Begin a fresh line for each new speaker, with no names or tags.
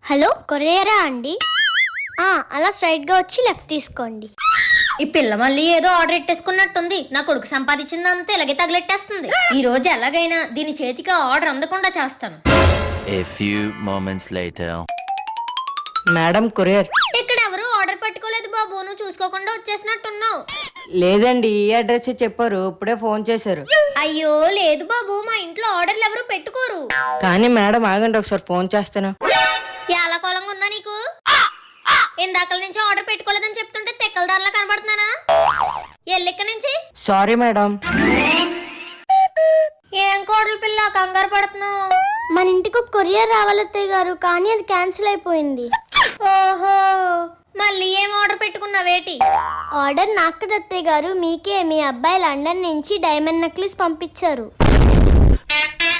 Hello, కొరియరా అండి? అలా straight గా వచ్చి లెఫ్ట్ తీసుకోండి.
ఈ పిల్ల మళ్ళీ ఏదో ఆర్డర్ ఎట్టేసుకున్నట్టుంది. నా కొడుకు సంపాదించిందంతా ఇలాగే తగిలెట్టేస్తుంది. ఈ రోజు ఎలాగైనా దీని చేతికి ఆర్డర్ అందకుండా చేస్తాను.
A few moments later.
Madam courier.
ఇక్కడ ఎవరు ఆర్డర్ పెట్టుకోలేదు బాబు, నువ్వు చూసుకోకుండా వచ్చేసినట్టున్నావు.
లేదండి, ఈ అడ్రస్ చెప్పారు, ఇప్పుడే ఫోన్ చేశారు.
అయ్యో లేదు బాబు, మా ఇంట్లో ఆర్డర్లు ఎవరు పెట్టుకోరు.
కానీ మేడం ఆగండి, ఒకసారి ఫోన్ చేస్తాను.
ఎలా కోలంగా ఉందా నీకు? ఇందాకల నుంచి ఆర్డర్ పెట్టుకోలేదని చెప్తుంటే తెక్కల దానిలా కనబడుతున్నానా? ఎల్లిక్క నుంచి.
Sorry madam.
ఏం కోడలు పిల్ల కంగారు పడుతున్నావు?
మన ఇంటికి ఒక కొరియర్ రావాలి అత్తయ్య గారు, కానీ అది క్యాన్సిల్ అయిపోయింది.
ఓహో, మళ్ళీ ఏం ఆర్డర్ పెట్టుకున్నావేటి?
ఆర్డర్ నాకు కదా అత్తయ్య గారు, మీకే. మీ అబ్బాయి లండన్ నుంచి డైమండ్ నెక్లెస్ పంపించారు.